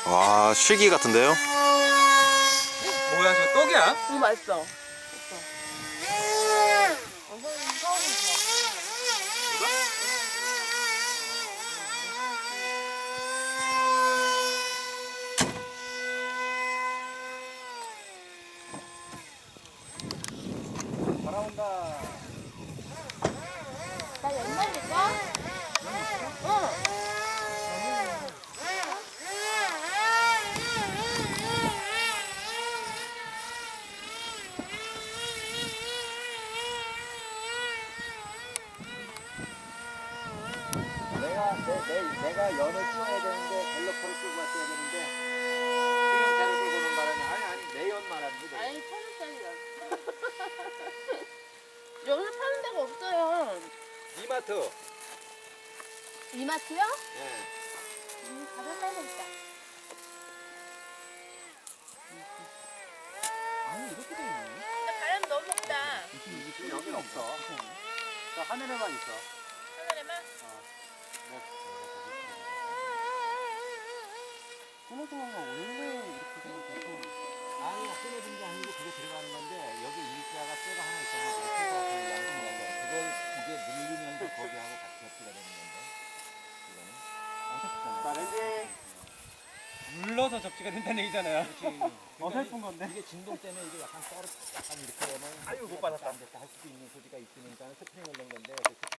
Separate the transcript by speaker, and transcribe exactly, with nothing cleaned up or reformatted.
Speaker 1: 와, 실기 같은데요?
Speaker 2: 뭐야 저 떡이야?
Speaker 3: 너무 맛있어.
Speaker 2: 바라온다.
Speaker 3: 나 옛날일까? 응.
Speaker 2: 내가 내, 내, 내가 연을 찍어야 되는데 갤러퍼를 끌고 왔어야 되는데 승용차를 끌고 오는 바람에 아니 아니 내 연 말하는 거
Speaker 3: 아니, 천 원짜리야. 여기서 파는 데가 없어요.
Speaker 2: 이마트.
Speaker 3: 이마트요?
Speaker 2: 예.
Speaker 3: 음, 가서 사야겠다.
Speaker 2: 아니 이렇게 돼 있네.
Speaker 3: 근데 바람 너무 없다.
Speaker 2: 지금 여긴 없어. 저 하늘에만 있어.
Speaker 3: 하늘에만?
Speaker 2: 끊어진가 원래 이렇게 생겼고 아니 끊어진 게 아니고 그게 들어가는 건데 여기 일자가 쇠가 하나 있잖아. 그거 양쪽에 그걸 이게 눌리면서 거기하고 같이 접지가 되는 건데 이거는 자 렌즈
Speaker 4: 눌러서 접지가 된다는 얘기잖아요.
Speaker 2: 어설픈 건데 이게 진동 때문에 이게 약간 떨어 약간 이렇게 하면 아유 못 받았다 안 됐다 할 수도 있는 소지가 있으니까 스프링을 넣은 건데